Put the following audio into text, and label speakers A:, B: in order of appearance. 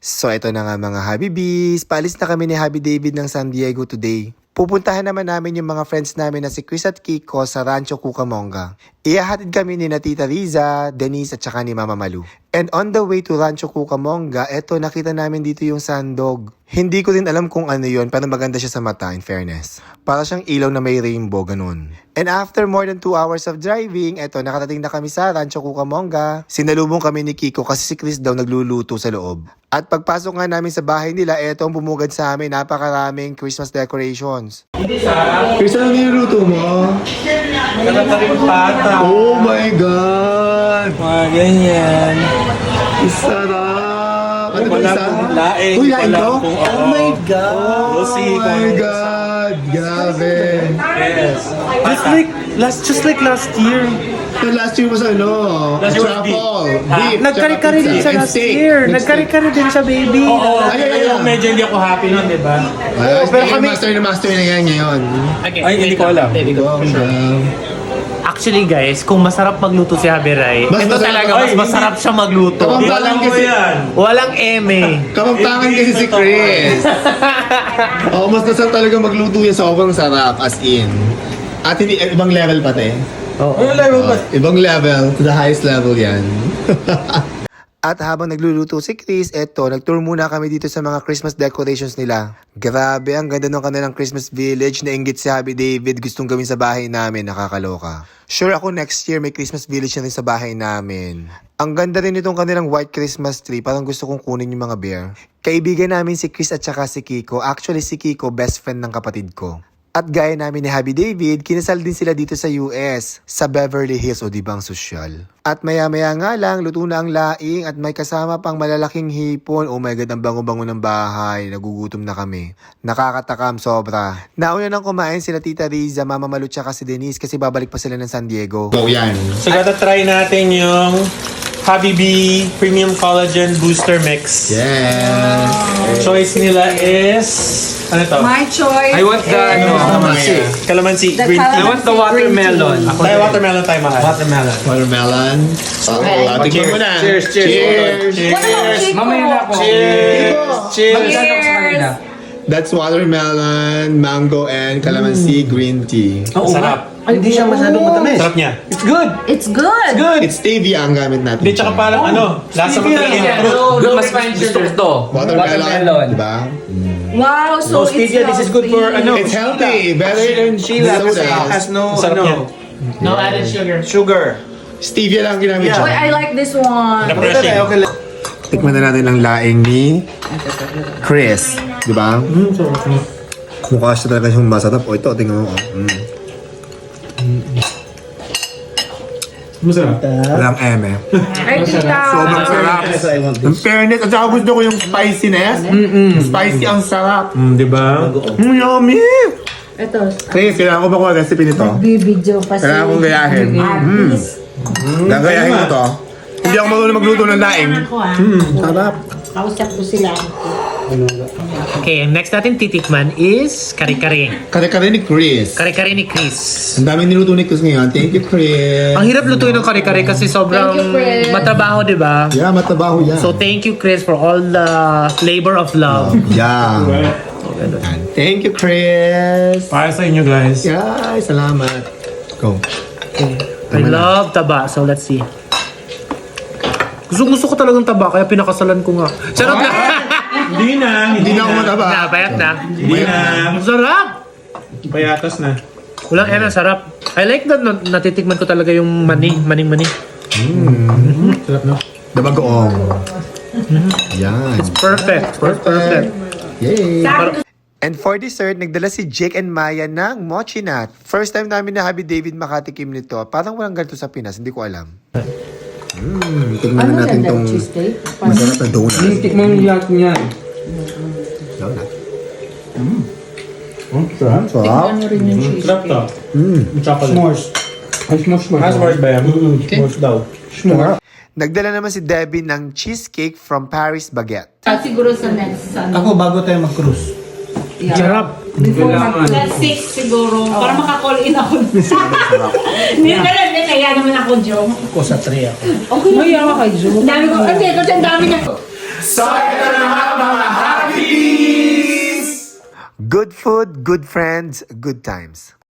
A: So ito na nga mga Habibis, paalis na kami ni Habi David ng San Diego today. Pupuntahan naman namin yung mga friends namin na si Chris at Kiko sa Rancho Cucamonga. Ihahatid kami ni Tita Riza, Denise at saka ni Mama Malu. And on the way to Rancho Cucamonga, eto nakita namin dito yung sandog. Hindi ko din alam kung ano yun, pero maganda siya sa mata in fairness. Para siyang ilaw na may rainbow, ganun. And after more than 2 hours of driving, eto nakatating na kami sa Rancho Cucamonga. Sinalubong kami ni Kiko kasi si Chris daw nagluluto sa loob. At pagpasok nga namin sa bahay nila, eto ang bumugad sa amin, napakaraming Christmas decorations.
B: Chris, ano niluluto mo?
C: Kalataring pata.
B: Oh my God!
C: Mga ganyan.
B: Sarap! Ano ba
C: Wala
B: isa?
C: pong laing.
B: Uy, laing
C: Wala
B: to?
C: pong-
B: Oh my God!
C: We'll see
B: Oh
C: kung
B: my
C: ano.
B: God! Grabe!
C: Yes. Just like last year.
B: Yung last year was ano?
C: Last year was
B: truffle,
C: beef.
B: beef,
D: Nagkari-kari
B: tsaka
D: din
B: pizza,
D: siya
B: and
D: last
B: steak.
D: year.
B: And
D: Nagkari-kari din siya, baby.
C: Oo,
B: Ay.
C: yung medyo hindi ako happy nun, di ba?
B: steak. Pero kami... master na yan ngayon.
D: Okay,
C: Ay, hindi ko alam.
D: Actually, guys, kung masarap magluto si Habi Rai,
B: Mas
D: ito
B: masarap-
D: talaga,
B: Ay,
D: mas
B: hindi.
D: masarap siya magluto.
B: Kapag-
C: Walang mo yan.
D: Walang eme.
B: Kamagtangan kasi si Chris. Oo, mas nasarap talaga magluto yan. Sobrang sarap, as in. At hindi, ibang level pati.
C: Ano level ba?
B: Ibang level, to the highest level yan.
A: At habang nagluluto si Chris, eto, nagtour muna kami dito sa mga Christmas decorations nila. Grabe, ang ganda ng kanilang Christmas village. Nainggit si Habi David, gustong gawin sa bahay namin, nakakaloka. Sure ako next year may Christmas village na rin sa bahay namin. Ang ganda rin itong kanilang white Christmas tree, parang gusto kong kunin yung mga bear. Kaibigan namin si Chris at saka si Kiko. Actually si Kiko, best friend ng kapatid ko. At gaya namin ni Habi David, kinasal din sila dito sa US, sa Beverly Hills o dibang sosyal. At maya-maya nga lang, luto na ang laing at may kasama pang malalaking hipon. Oh my God, ang bango-bango ng bahay. Nagugutom na kami. Nakakatakam sobra. Nauna nang kumain sila Tita Riza, Mama Malu tsaka si Denise kasi babalik pa sila ng San Diego.
B: So yan.
C: So, try natin yung Habibi Premium Collagen Booster Mix.
B: Yes.
C: Choice nila is... Ano to?
E: My choice.
D: I want the,
C: Calamansi.
E: The
C: Green tea.
E: calamansi.
D: I want the watermelon.
C: Tayo watermelon tayo mahal.
D: Watermelon.
B: Watermelon. Tignan mo na.
D: Cheers.
B: Cheers.
E: What about Chico?
D: Mamaya na ako.
C: Cheers! Cheers!
E: Cheers.
B: That's watermelon, mango, and calamansi green tea.
C: Sarap.
D: Ay, hindi siya masyadong matamis.
C: Sarap niya.
D: It's good.
E: It's good.
B: It's stevia ang gamit natin.
C: Hindi, tsaka parang ano, lasa mo talaga yung fruit.
D: Good, mas gusto ko to.
B: Watermelon. Diba?
E: Wow, so
D: No, stevia, this is good for,
E: healthy.
D: ano,
B: It's healthy. Better than soda.
D: no,
C: Sarap niya.
D: no added sugar.
C: Sugar.
B: Stevia lang ginamit
E: Wait,
B: siya.
E: I like this one.
C: Refreshing.
B: Tikman na natin ang laing ni Chris. Diba? Mukha siya talaga siyang masarap. O ito, tingnan mo.
C: Masarap.
B: Walang eme.
E: Ay, tita.
B: Sobrang sarap. Ang fairness, at saka gusto ko yung spiciness. Spicy ang sarap.
C: Di ba?
B: Yummy!
E: Ito.
B: Chris, kailangan ko ba kung recipe nito?
E: Bibidyo pa si
B: Kailangan kong gayahin.
E: Artis.
B: Gagayahin ko to. Hindi ako marunong magluto ng laing. Sarap.
E: Kausap ko sila.
D: Okay, next natin titikman is kare-kare.
B: Kare-kare ni Chris.
D: Kare-kare ni Chris.
B: Ang daming niluto ni Chris ngayon. Thank you, Chris.
D: Ang hirap lutuin ng kare-kare kasi sobrang
E: Thank you, Chris.
D: matrabaho, di ba?
B: Yeah, matabaho yan.
D: So thank you, Chris, for all the labor of love.
B: Yeah. Thank you, Chris.
C: Para sa inyo guys.
B: Yeah, salamat. Go.
D: I love taba, so let's see. Gusto ko talagang taba, kaya pinakasalan ko nga. Sarap na!
C: Hindi na.
B: Hindi na ako mataba.
D: Napayat na.
C: Hindi na.
D: Ang sarap!
C: Payatas na.
D: Walang ena, sarap. I like that natitikman ko talaga yung maning-mani.
C: Sarap na.
B: Dabagoong. Yan.
D: Perfect. Perfect.
B: Yay.
A: And for dessert, nagdala si Jake and Maya ng mochi nut. First time namin na Habi David makatikim nito. Parang walang ganito sa Pinas, hindi ko alam.
B: Tingnan na natin tong masarap na donut.
D: Tikman mo lahat niyan.
B: Donut.
C: Sarap.
B: Sarap.
E: Ano rin yung cheese?
C: Sarap to. Chocolate.
D: S'mores. Ay, s'mores.
C: S'mores ba yan? S'mores daw.
A: Nagdala naman si Debbie ng cheesecake from Paris Baguette.
E: Siguro sa next ano.
F: Ako, bago tayo mag-cruise.
E: Yeah.
D: Sarap.
E: Before mag-
G: That's 6 siguro. Para maka-call in ako. Hindi kaya naman ako, Joe.
F: Ako sa 3 ako.
G: Okay. Maya ka kay Joe. Dami ko, kasi ang dami niya.
B: So, ito na nga mga Happy Bees!
A: Good food, good friends, good times.